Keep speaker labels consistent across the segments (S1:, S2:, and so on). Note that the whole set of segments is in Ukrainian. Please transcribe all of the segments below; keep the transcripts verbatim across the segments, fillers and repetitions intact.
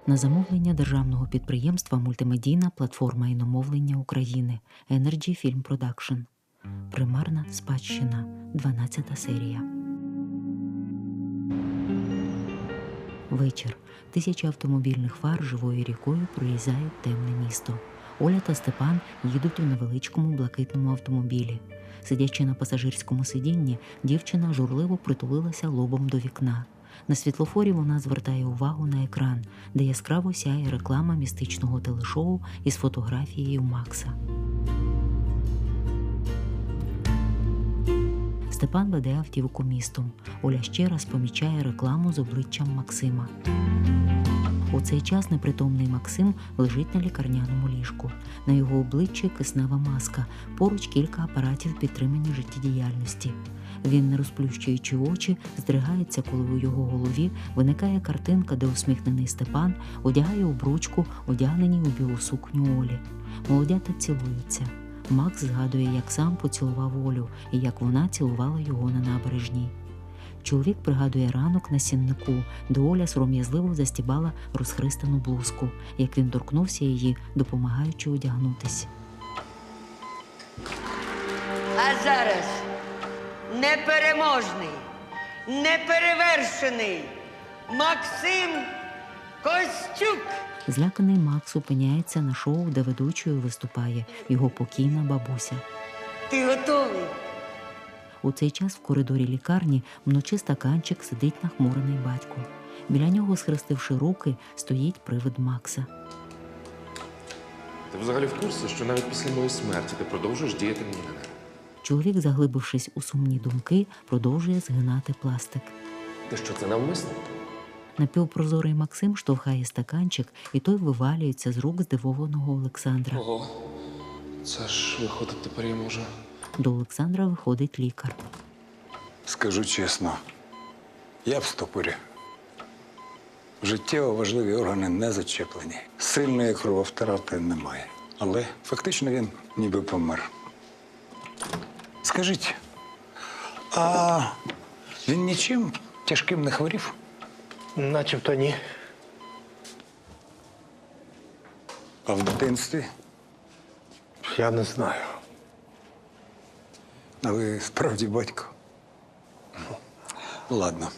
S1: На замовлення державного підприємства «Мультимедійна платформа іномовлення України» Energy Film Production. Примарна спадщина. дванадцята серія. Вечір. Тисячі автомобільних фар живою рікою прорізають темне місто. Оля та Степан їдуть у невеличкому блакитному автомобілі. Сидячи на пасажирському сидінні, дівчина журливо притулилася лобом до вікна. На світлофорі вона звертає увагу на екран, де яскраво сяє реклама містичного телешоу із фотографією Макса. Степан веде автівку містом. Оля ще раз помічає рекламу з обличчям Максима. У цей час непритомний Максим лежить на лікарняному ліжку. На його обличчі киснева маска, поруч кілька апаратів підтримання життєдіяльності. Він, не розплющуючи очі, здригається, коли у його голові виникає картинка, де усміхнений Степан одягає обручку, одягненій у білу сукню Олі. Молодята цілуються. Макс згадує, як сам поцілував Олю і як вона цілувала його на набережній. Чоловік пригадує ранок на сіннику, де Оля сором'язливо застібала розхристану блузку, як він торкнувся її, допомагаючи одягнутись.
S2: А зараз непереможний, неперевершений Максим Костюк.
S1: Зляканий Макс опиняється на шоу, де ведучою виступає його покійна бабуся.
S2: Ти готовий?
S1: У цей час в коридорі лікарні вночі стаканчик сидить нахмурений батько. Біля нього, схрестивши руки, стоїть привид Макса.
S3: Ти взагалі в курсі, що навіть після моєї смерті ти продовжуєш діяти мені на нерви?
S1: Чоловік, заглибившись у сумні думки, продовжує згинати пластик.
S3: Ти що, це навмисно?
S1: Напівпрозорий Максим штовхає стаканчик, і той вивалюється з рук здивованого Олександра.
S3: Ого, це ж виходить, тепер я можу.
S1: До Олександра виходить лікар.
S4: Скажу чесно, я в стопорі. Життєво важливі органи не зачеплені. Сильної крововтрати немає. Але фактично він ніби помер. Скажіть, а він нічим тяжким не хворів?
S5: Начебто ні.
S4: А в дитинстві?
S5: Я не знаю.
S4: А ви справді батько? Ладно.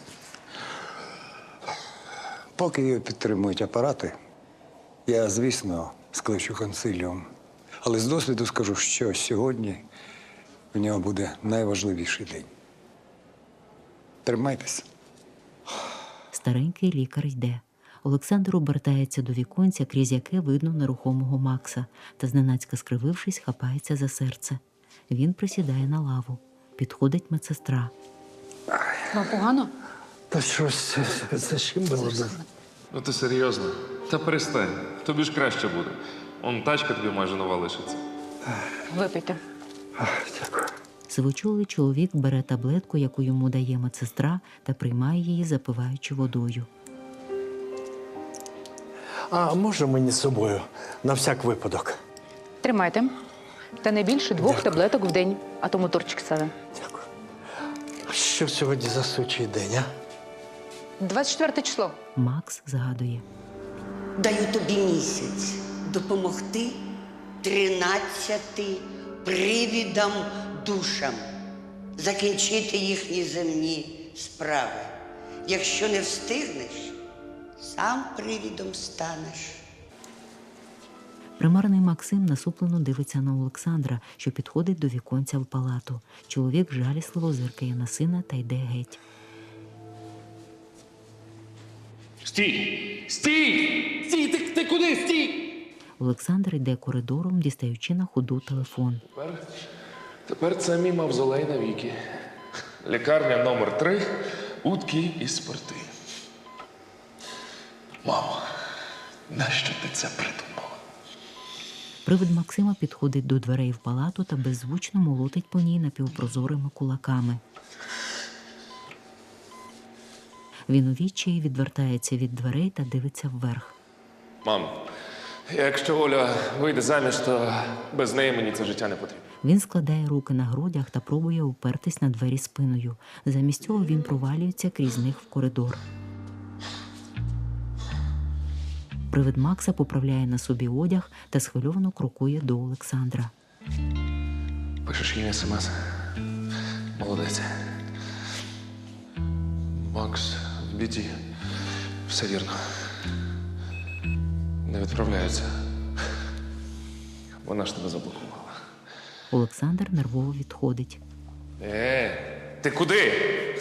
S4: Поки його підтримують апарати, я, звісно, скличу консиліум. Але з досвіду скажу, що сьогодні в нього буде найважливіший день. Тримайтеся.
S1: Старенький лікар йде. Олександр обертається до віконця, крізь яке видно нерухомого Макса, та, зненацька скривившись, хапається за серце. Він присідає на лаву. Підходить медсестра.
S6: Вам погано?
S5: Та щось защемило.
S3: Ну ти серйозно? Та перестань, тобі ж краще буде. Он тачка тобі майже нова лишиться.
S6: Випийте.
S5: Дякую.
S1: Сивочолий чоловік бере таблетку, яку йому дає медсестра, та приймає її, запиваючи водою.
S5: А може мені з собою? На всяк випадок.
S6: Тримайте. Та не більше двох
S5: Дякую.
S6: таблеток в день, а то моторчик саде.
S5: Дякую. А що сьогодні за сучий день, а?
S6: двадцять четверте число.
S1: Макс згадує.
S2: Даю тобі місяць допомогти тринадцяти привідам душам закінчити їхні земні справи. Якщо не встигнеш, сам привідом станеш.
S1: Примарний Максим насуплено дивиться на Олександра, що підходить до віконця в палату. Чоловік жалісливо зиркає на сина та йде геть.
S3: Стій! Стій! Стій! Ти, ти куди? Стій!
S1: Олександр йде коридором, дістаючи на ходу телефон.
S3: Тепер, тепер це мій мавзолей навіки. Лікарня номер три, утки і спорти. Мамо, нащо ти це придумала?
S1: Привид Максима підходить до дверей в палату та беззвучно молотить по ній напівпрозорими кулаками. Він у відчаї відвертається від дверей та дивиться вверх.
S3: Мам, якщо Оля вийде заміж, то без неї мені це життя не потрібно.
S1: Він складає руки на грудях та пробує упертись на двері спиною. Замість цього він провалюється крізь них в коридор. Привид Макса поправляє на собі одяг та схвильовано крокує до Олександра.
S3: Пишеш їй смс. Молодець. Макс, в біді. Все вірно. Не відправляється. Вона ж тебе заблокувала.
S1: Олександр нервово відходить.
S3: Е, ти куди?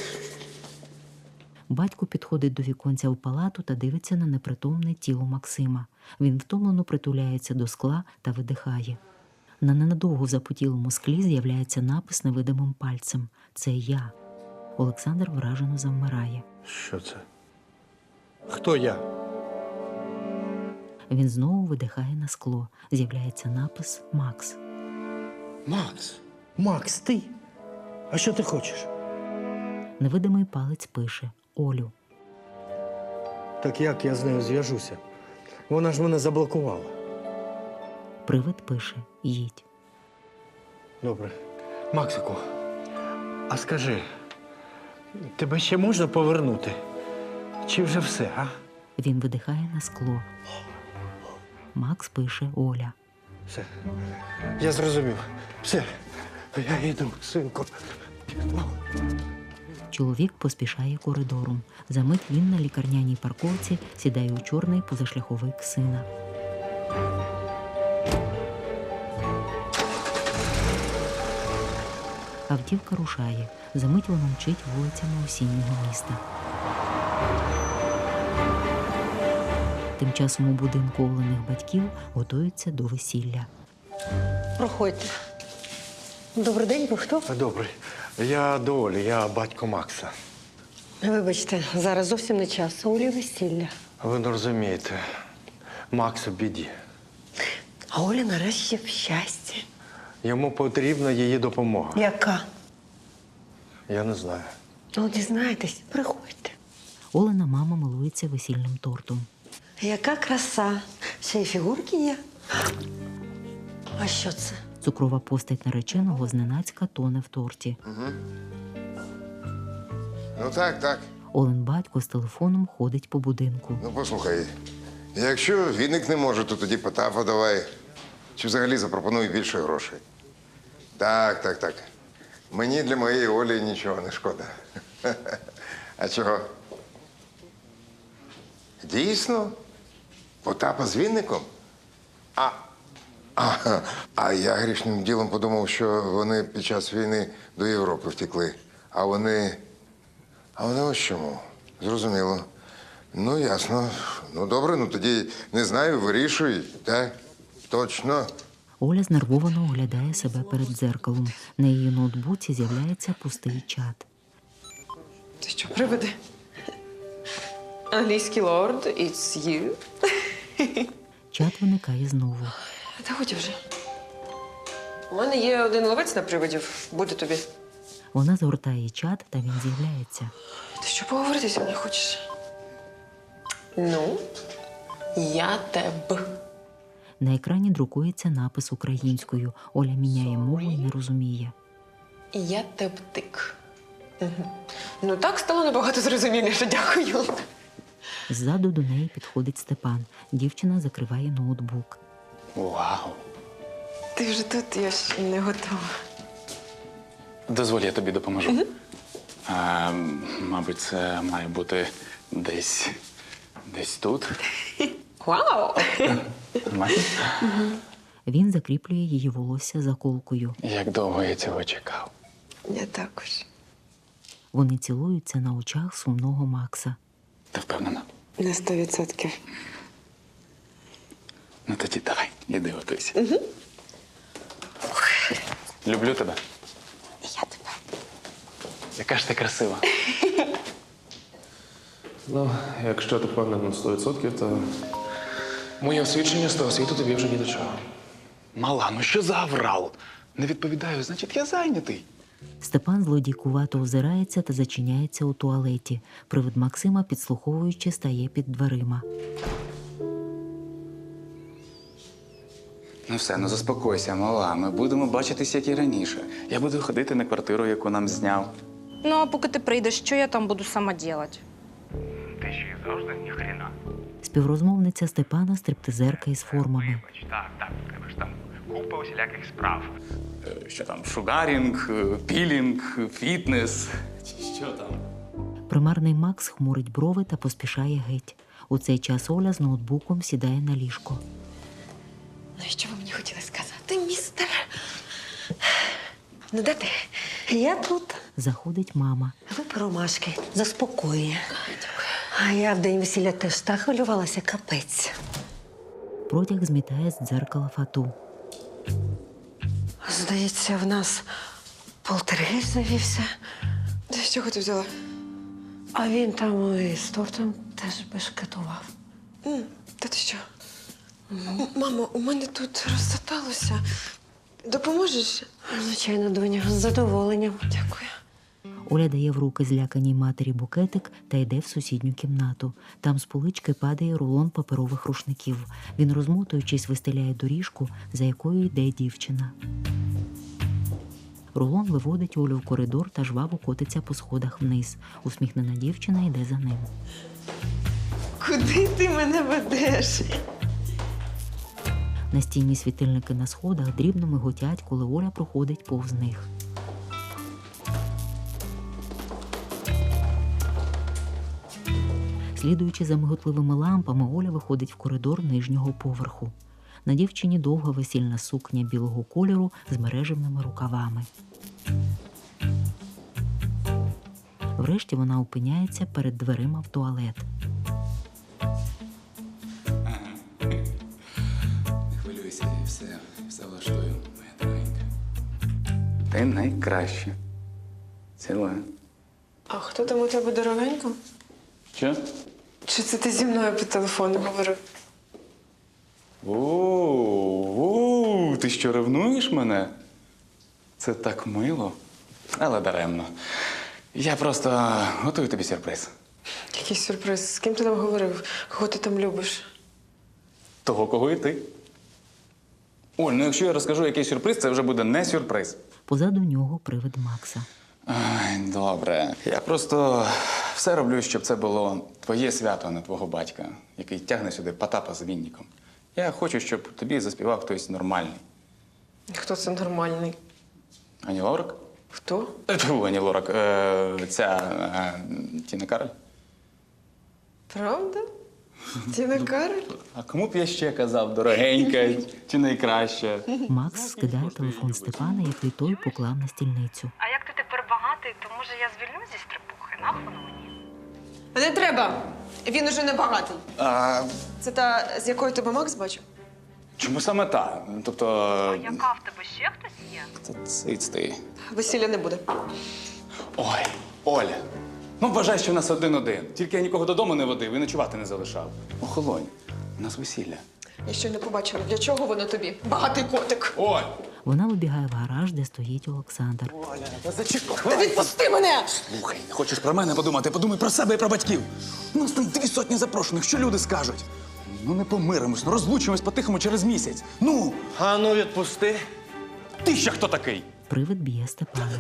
S1: Батько підходить до віконця в палату та дивиться на непритомне тіло Максима. Він втомлено притуляється до скла та видихає. На ненадовго запотілому склі з'являється напис невидимим пальцем. Це я. Олександр вражено завмирає.
S5: Що це? Хто я?
S1: Він знову видихає на скло. З'являється напис «Макс».
S5: Макс. Макс, ти? А що ти хочеш?
S1: Невидимий палець пише «Олю».
S5: Так як я з нею зв'яжуся? Вона ж мене заблокувала.
S1: Привид пише «Їдь».
S5: Добре. Максику, а скажи, тебе ще можна повернути? Чи вже все, а?
S1: Він видихає на скло. Макс пише «Оля».
S5: Все. Я зрозумів. Все. Я йду, синку.
S1: Чоловік поспішає коридором. Замить він на лікарняній парковці сідає у чорний позашляховик сина. Автівка рушає. Замить вона мчить вулицями осіннього міста. Тим часом у будинку Олених батьків готуються до весілля.
S7: Проходьте. Добрий день, ви хто?
S5: Добре. Я до Олі, я батько Макса.
S7: Вибачте, зараз зовсім не час. Олі весілля.
S5: Ви не розумієте, Макс у біді.
S7: А Оля нарешті в щасті.
S5: Йому потрібна її допомога.
S7: Яка?
S5: Я не знаю.
S7: Ну, дізнайтесь, приходьте.
S1: Олена мама милується весільним тортом.
S7: Яка краса. Ще й фігурки є. А що це?
S1: Цукрова постать нареченого зненацька тоне в торті.
S8: Ну так, так.
S1: Олен батько з телефоном ходить по будинку.
S8: Ну послухай, якщо Вінник не може, то тоді Потапа давай. Чи взагалі запропонуй більше грошей. Так, так, так. Мені для моєї Олі нічого не шкода. А чого? Дійсно? Потапа з Вінником? А, а, а я грішним ділом подумав, що вони під час війни до Європи втекли. А вони. А вони ось чому? Зрозуміло. Ну, ясно. Ну, добре, ну тоді не знаю, вирішуй, так? Точно.
S1: Оля знервовано оглядає себе перед дзеркалом. На її ноутбуці з'являється пустий чат.
S9: Ти що, приведе? Англійський лорд, it's you.
S1: Чат виникає знову.
S9: Та годі вже. У мене є один ловець на привидів. Буде тобі.
S1: Вона згортає чат, та він з'являється.
S9: Ти що, поговорити зі мною хочеш? Ну, я тебе.
S1: На екрані друкується напис українською. Оля міняє мову і не розуміє.
S9: Я тептик. Угу. Ну так стало набагато зрозуміліше, дякую.
S1: Ззаду до неї підходить Степан. Дівчина закриває ноутбук.
S10: Вау.
S9: Ти вже тут, я ж не готова.
S10: Дозволь, я тобі допоможу. Угу. А, мабуть, це має бути десь. десь тут.
S9: Вау!
S10: Нормально?
S1: Він закріплює її волосся заколкою.
S10: Як довго я цього чекав.
S9: Я також.
S1: Вони цілуються на очах сумного Макса.
S10: Ти впевнена?
S9: На сто відсотків.
S10: Ну тоді давай, іди готуйся. Угу. Люблю тебе.
S9: Я тебе.
S10: Яка ж ти красива.
S3: Ну, якщо ти впевнений на сто відсотків, то моє освідчення з того світу тобі вже ні до чого.
S10: Мала, ну що за аврал? Не відповідаю, значить, я зайнятий.
S1: Степан злодійкувато озирається та зачиняється у туалеті. Привид Максима, підслуховуючи, стає під дверима.
S10: Ну все, ну заспокойся, мала. Ми будемо бачитись, як і раніше. Я буду ходити на квартиру, яку нам зняв.
S11: Ну, а поки ти прийдеш, що я там буду сама делать?
S10: Ти ще й завжди ні хрена.
S1: Співрозмовниця Степана стриптизерка із формами.
S10: Так, так, у тебе ж там купа усіляких справ. Що там, шугарінг, пілінг, фітнес, чи що там?
S1: Примарний Макс хмурить брови та поспішає геть. У цей час Оля з ноутбуком сідає на ліжко.
S9: Ну і що ви мені хотіли сказати, містер? Ну, де ти?
S7: Я тут.
S1: Заходить мама.
S7: Випи ромашки, заспокоює. А я в день весілля теж так хвилювалася, капець.
S1: Протяг змітає з дзеркала фату.
S7: Здається, в нас полтергейст завівся.
S9: З чого ти взяла?
S7: А він там і з тортом теж бешкетував.
S9: М, Та ти що? М, Мамо, у мене тут розсаталося. Допоможеш?
S7: Звичайно, доню, з задоволенням.
S9: Дякую.
S1: Оля дає в руки зляканій матері букетик та йде в сусідню кімнату. Там з полички падає рулон паперових рушників. Він, розмотуючись, вистеляє доріжку, за якою йде дівчина. Рулон виводить Олю в коридор та жваво котиться по сходах вниз. Усміхнена дівчина йде за ним.
S9: Куди ти мене ведеш?
S1: Настінні світильники на сходах дрібно миготять, коли Оля проходить повз них. Слідуючи за миготливими лампами, Оля виходить в коридор нижнього поверху. На дівчині довга весільна сукня білого кольору з мережевними рукавами. Врешті вона опиняється перед дверима в туалет.
S10: Не хвилюйся, і все, все влаштую, моя дорогенька. Ти найкраща. Ціла.
S9: А хто там у тебе дорогенько?
S10: Що?
S9: Чи це ти зі мною по телефону говорив?
S10: О, ти що, ревнуєш мене? Це так мило, але даремно. Я просто готую тобі сюрприз.
S9: Який сюрприз? З ким ти там говорив? Кого ти там любиш?
S10: Того, кого і ти. Оль, ну якщо я розкажу який сюрприз, це вже буде не сюрприз.
S1: Позаду нього привид Макса.
S10: Ай, добре. Я просто все роблю, щоб це було твоє свято, а не твого батька, який тягне сюди Потапа з Вінником. Я хочу, щоб тобі заспівав хтось нормальний.
S9: Хто це нормальний?
S10: Ані Лорак?
S9: Хто?
S10: Е, Тьфу, Ані Лорак. Е, ця е, Тіна Кароль.
S9: Правда? Тіна Кароль?
S10: А кому б я ще казав, дорогенька чи найкраща?
S1: Макс скидає телефон Степана, який той поклав на стільницю.
S11: А як ти тепер багатий, то може я звільнюсь зі стрибухи? Нахуй воно мені?
S9: Не треба. Він уже не багатий.
S10: А,
S9: Це та, з якою тебе Макс бачив?
S10: чому саме та? Тобто...
S11: Яка в тебе ще хтось є?
S10: Та циць ти.
S9: Весілля не буде.
S10: Ой, Оля, ну вважай, що в нас один-один. Тільки я нікого додому не водив і ночувати не залишав. Охолонь, у нас весілля.
S9: Я ще не побачила, для чого воно тобі? Багатий котик.
S10: Оль!
S1: Вона вибігає в гараж, де стоїть Олександр.
S10: Оля, та зачекай!
S9: Та відпусти мене!
S10: Слухай, не хочеш про мене подумати, подумай про себе і про батьків. У нас там дві сотні запрошених, що люди скажуть? Ну не помиримось, ну розлучимось по-тихому через місяць. Ну!
S5: А ну відпусти.
S10: Ти ще хто такий?
S1: Привид б'є Степана.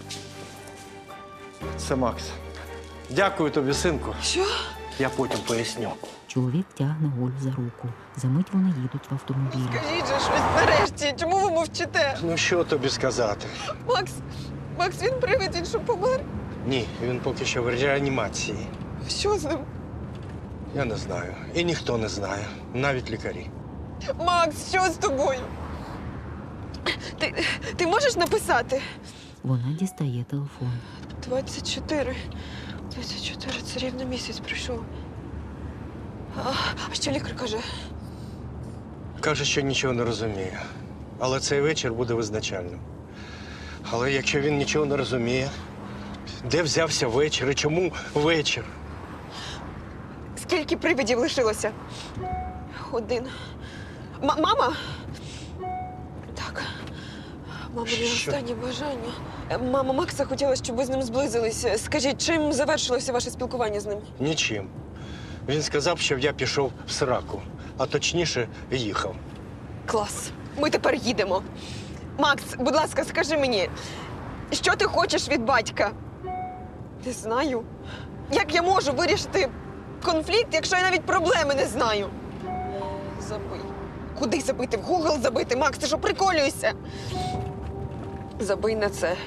S5: Це Макс. Дякую тобі, синку.
S9: Що?
S5: Я потім поясню.
S1: Чоловік тягне Олю за руку. Замить вони їдуть в автомобілі.
S9: Кажіть же щось нарешті. Чому ви мовчите?
S5: Ну що тобі сказати?
S9: Макс, Макс, він привид, він що помер?
S5: Ні, він поки що в реанімації.
S9: Що з ним?
S5: Я не знаю. І ніхто не знає. Навіть лікарі.
S9: Макс, що з тобою? Ти, ти можеш написати?
S1: Вона дістає телефон.
S9: двадцять чотири. двадцять чотири, це рівно місяць пройшов. А, а що лікар каже?
S5: Каже, що нічого не розуміє. Але цей вечір буде визначальним. Але якщо він нічого не розуміє, де взявся вечір і чому вечір?
S9: Скільки привидів лишилося? Один. М- мама? Так. Мама, не
S5: Що?
S9: останнє бажання. Е, Мама Макса хотіла, щоб ви з ним зблизилися. Скажіть, чим завершилося ваше спілкування з ним?
S5: Нічим. Він сказав, що я пішов в сраку, а точніше їхав.
S9: Клас. Ми тепер їдемо. Макс, будь ласка, скажи мені, що ти хочеш від батька? Не знаю. Як я можу вирішити конфлікт, якщо я навіть проблеми не знаю? Забий. Куди забити? В Гугл забити? Макс, ти що, приколюєшся? Забий на це.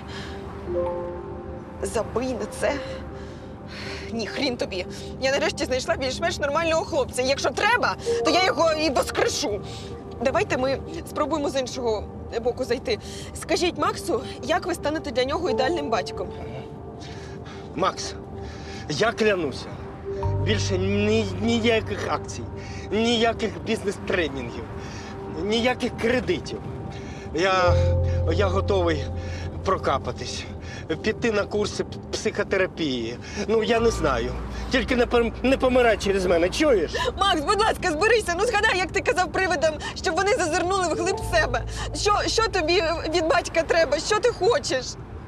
S9: Забий на це. Ні, хрін тобі. Я нарешті знайшла більш-менш нормального хлопця. І якщо треба, то я його і воскрешу. Давайте ми спробуємо з іншого боку зайти. Скажіть Максу, як ви станете для нього ідеальним батьком?
S5: Макс, я клянуся, більше ні, ніяких акцій, ніяких бізнес-тренінгів, ніяких кредитів. Я, я готовий прокапатись, піти на курси психотерапії. Ну, я не знаю. Тільки не, пом- не помирай через мене, чуєш?
S9: Макс, будь ласка, зберися. Ну згадай, як ти казав привидам, щоб вони зазирнули вглиб себе. Що, що тобі від батька треба? Що ти хочеш?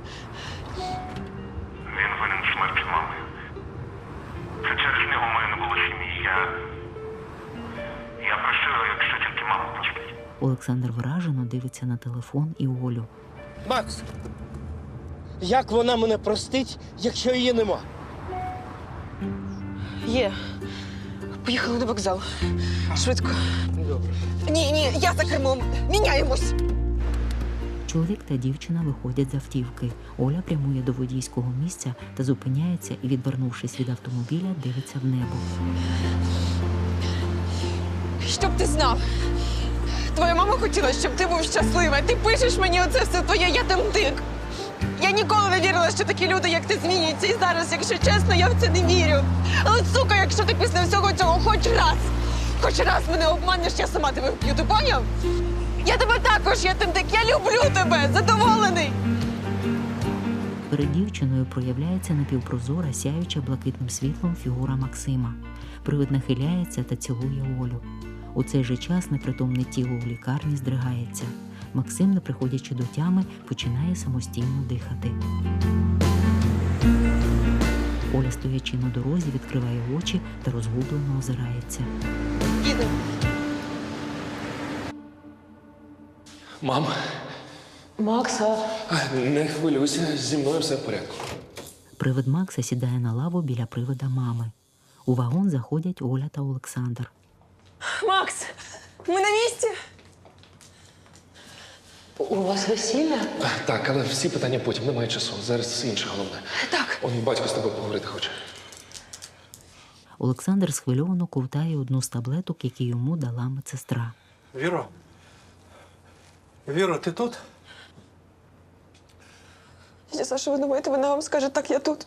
S12: Він винен в смерті мами. Це через нього в мене не було сім'ї. Я... Я прощу його, якщо тільки мама простить.
S1: Олександр вражено дивиться на телефон і Олю.
S5: Макс, як вона мене простить, якщо її нема?
S9: Є. Поїхали на вокзал. Швидко.
S5: Добре.
S9: Ні, ні, я за кермом. Міняємось.
S1: Чоловік та дівчина виходять з автівки. Оля прямує до водійського місця та зупиняється і, відвернувшись від автомобіля, дивиться в небо.
S9: Щоб ти знав. Твоя мама хотіла, щоб ти був щасливий. Ти пишеш мені оце все твоє, я там дик. Я ніколи не вірила, що такі люди, як ти, зміняться. І зараз, якщо чесно, я в це не вірю. Але, сука, якщо ти після всього цього хоч раз, хоч раз мене обманеш, я сама тебе вб'ю, ти поняв? Я тебе також, я тим дик, я люблю тебе, задоволений.
S1: Перед дівчиною проявляється напівпрозора, сяюча блакитним світлом фігура Максима. Привид нахиляється та цілує Олю. У цей же час непритомне тіло у лікарні здригається. Максим, не приходячи до тями, починає самостійно дихати. Оля, стоячи на дорозі, відкриває очі та розгублено озирається.
S9: Їду.
S3: Мам,
S7: Макса.
S3: а, не хвилюйся, зі мною все в порядку.
S1: Привид Макса сідає на лаву біля привида мами. У вагон заходять Оля та Олександр.
S9: Макс, ми на місці?
S7: У вас весілля?
S3: А, Так, але всі питання потім, немає часу. Зараз інше головне.
S9: Так.
S3: Он батько з тобою поговорити хоче.
S1: Олександр схвильовано ковтає одну з таблеток, які йому дала медсестра.
S5: Віро? Віро, ти тут?
S9: Я Саша, ви думаєте, вона вам скаже, так, я тут.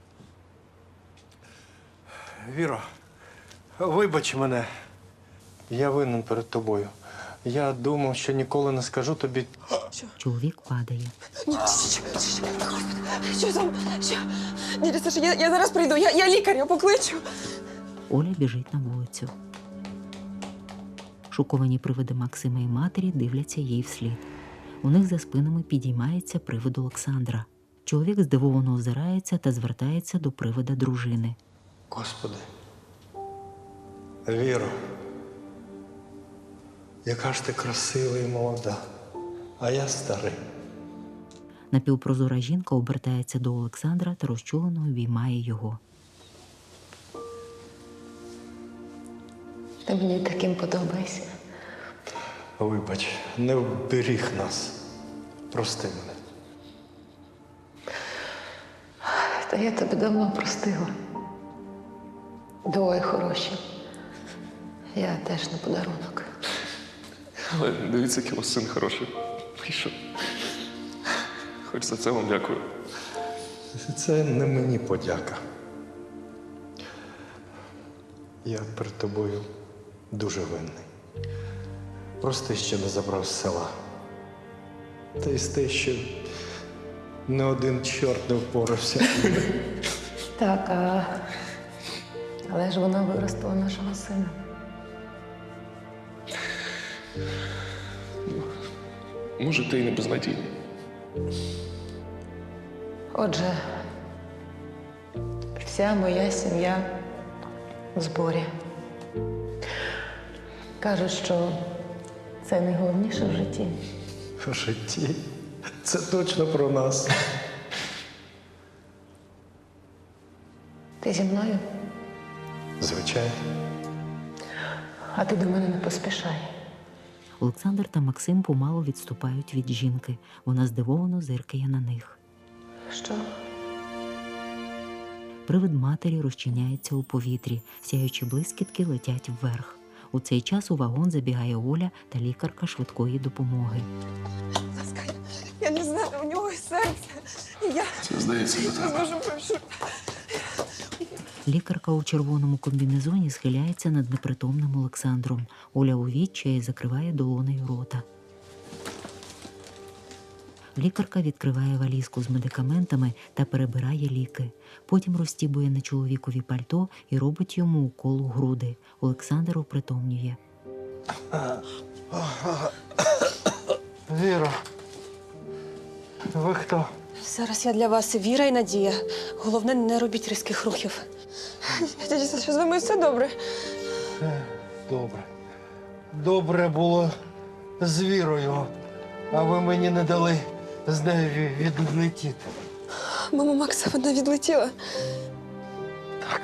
S5: Віро, вибач мене. Я винен перед тобою. Я думав, що ніколи не скажу тобі.
S1: Чоловік падає.
S9: Ні, що, що, що, Господи, що там? Що? Дядя Саша, я, я зараз прийду, я, я лікаря покличу.
S1: Оля біжить на вулицю. Шоковані привиди Максима і матері дивляться їй вслід. У них за спинами підіймається привид Олександра. Чоловік здивовано озирається та звертається до привида дружини.
S5: Господи. Віро, яка ж ти красива і молода, а я старий.
S1: Напівпрозора жінка обертається до Олександра та розчулено обіймає його.
S7: Ти мені таким подобаєшся.
S5: Вибач, не вберіг нас. Прости мене.
S7: Та я тебе давно простила. Двоє хороші. Я теж на подарунок.
S3: Але дивіться, який у вас син хороший. Вийшов. Хоч за це вам дякую.
S5: Це не мені подяка. Я перед тобою дуже винний. Прости, що не забрав з села. Та й з те, що не один чорт не впорався.
S7: Так, а... але ж вона виростила нашого сина.
S3: Може, ти і не безнадійний.
S7: Отже, вся моя сім'я в зборі. Кажуть, що це найголовніше в житті.
S5: В житті? Це точно про нас.
S7: Ти зі мною?
S5: Звичайно.
S3: Звичайно.
S6: А ти до мене не поспішай.
S1: Олександр та Максим помалу відступають від жінки. Вона здивовано зиркає на них.
S6: Що?
S1: Привид матері розчиняється у повітрі, сяючі блискітки летять вверх. У цей час у вагон забігає Оля та лікарка швидкої допомоги.
S9: Я не знаю, у нього серце. Я
S3: Це здається до
S9: не
S3: тебе.
S9: зможу прошу.
S1: Лікарка у червоному комбінезоні схиляється над непритомним Олександром. Оля у відчаї закриває долонею рота. Лікарка відкриває валізку з медикаментами та перебирає ліки. Потім розстібує на чоловікові пальто і робить йому укол у груди. Олександр опритомнює.
S5: Віра, ви хто?
S9: Зараз я для вас і віра, і надія. Головне, не робіть різких рухів. Дядя Саша, що з вами все добре?
S5: Е, Добре. Добре було з Вірою, а ви мені не дали з нею ві- відлетіти.
S9: Мама Макса, вона відлетіла. Так.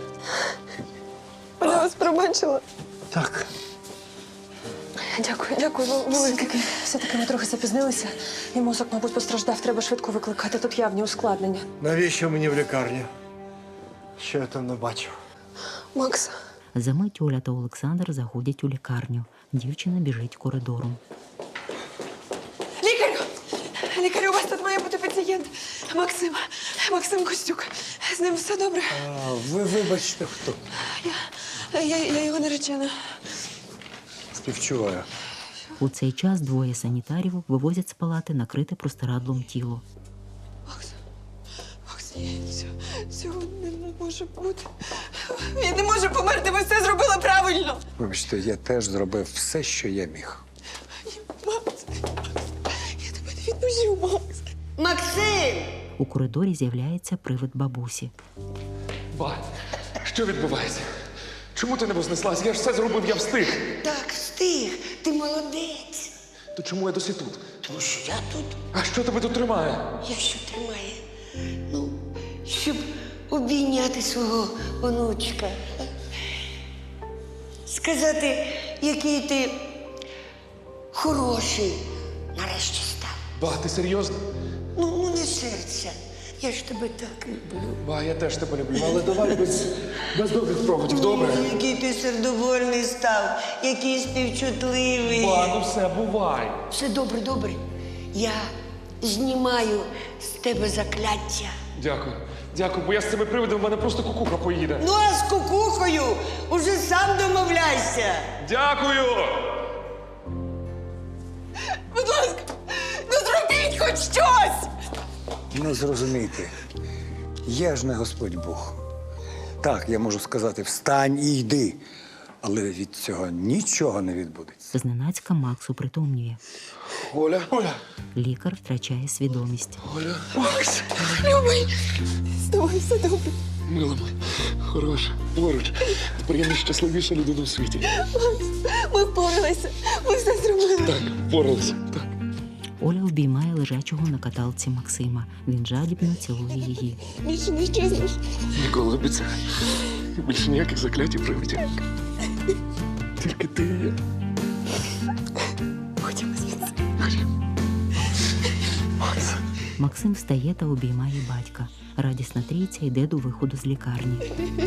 S9: Вона вас пробачила.
S5: Так.
S9: Дякую, дякую вам велике. Все-таки ми трохи запізнилися. І мозок, мабуть, постраждав. Треба швидко викликати. Тут явні ускладнення.
S5: Навіщо мені в лікарню? Що я там не бачив?
S9: Макс,
S1: Замить Оля та Олександр заходять у лікарню. Дівчина біжить коридором.
S9: лікарю! Лікарю, у вас тут має бути пацієнт. Максим. Максим Костюк. З ним все добре.
S4: А, ви вибачте, хто?
S9: Я, я, я його наречена.
S4: Співчуваю.
S1: У цей час двоє санітарів вивозять з палати накрите простирадлом тіло.
S9: Макс, Макс, ні, цього, цього не може бути. Він не може померти, ви все зробили правильно.
S4: Вибачте, я теж зробив все, що я міг.
S9: Макс, я тебе не відпущу, Макс.
S2: Максим!
S1: У коридорі з'являється привид бабусі.
S3: Ба, що відбувається? Чому ти не вознеслась? Я ж все зробив, я встиг.
S2: Так, встиг, ти молодець.
S3: То чому я досі тут?
S2: Тому що я тут,
S3: А що тебе тут тримає?
S2: я що тримає? Ну, щоб обійняти свого онучка. Сказати, який ти хороший нарешті став.
S3: Ба, ти серйозно?
S2: Ну, ну не серця. Я ж тебе так люблю.
S3: Ба, я теж тебе люблю, але давай без, без довгих проводів, добре?
S2: Ой, який ти сердовольний став, який співчутливий.
S3: Ба, ну все, бувай.
S2: Все добре, добре. Я знімаю з тебе закляття.
S3: Дякую. Дякую, бо я з цими привидами, в мене просто кукуха поїде.
S2: Ну, а з кукухою уже сам домовляйся.
S3: Дякую!
S9: Будь ласка, ну зробіть хоч щось!
S4: Не зрозумійте, я ж не Господь Бог. Так, я можу сказати, встань і йди. Але від цього нічого не відбудеться.
S1: Зненацька Макс упритомнює.
S3: Оля, Оля,
S1: Лікар втрачає свідомість.
S3: Оля.
S9: Макс, любий, з тобою все добре.
S3: Мила моя, хороша, поруч. Тепер я найщасливіша людина у світі.
S9: Макс, ми впоралися, ми все зробили.
S3: Так, впоралися. Так.
S1: Оля обіймає лежачого на каталці Максима. Він жадібно цілує її.
S9: Більше не щезнеш.
S3: Ніколи обіцяю. Більше ніяких заклять і привидів. Тільки ти і я.
S9: Ходімо звідси.
S1: Максим встає та обіймає батька. Радісна трійця йде до виходу з лікарні.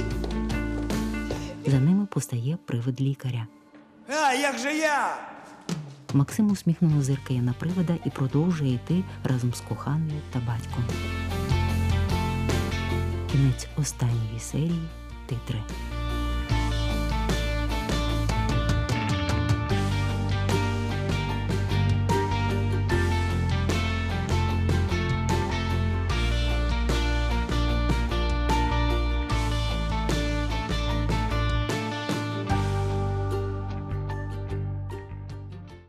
S1: За ними постає привид лікаря.
S5: А, як же я?
S1: Максим усміхнено зиркає на привида і продовжує йти разом з коханою та батьком. Кінець останньої серії. Титри.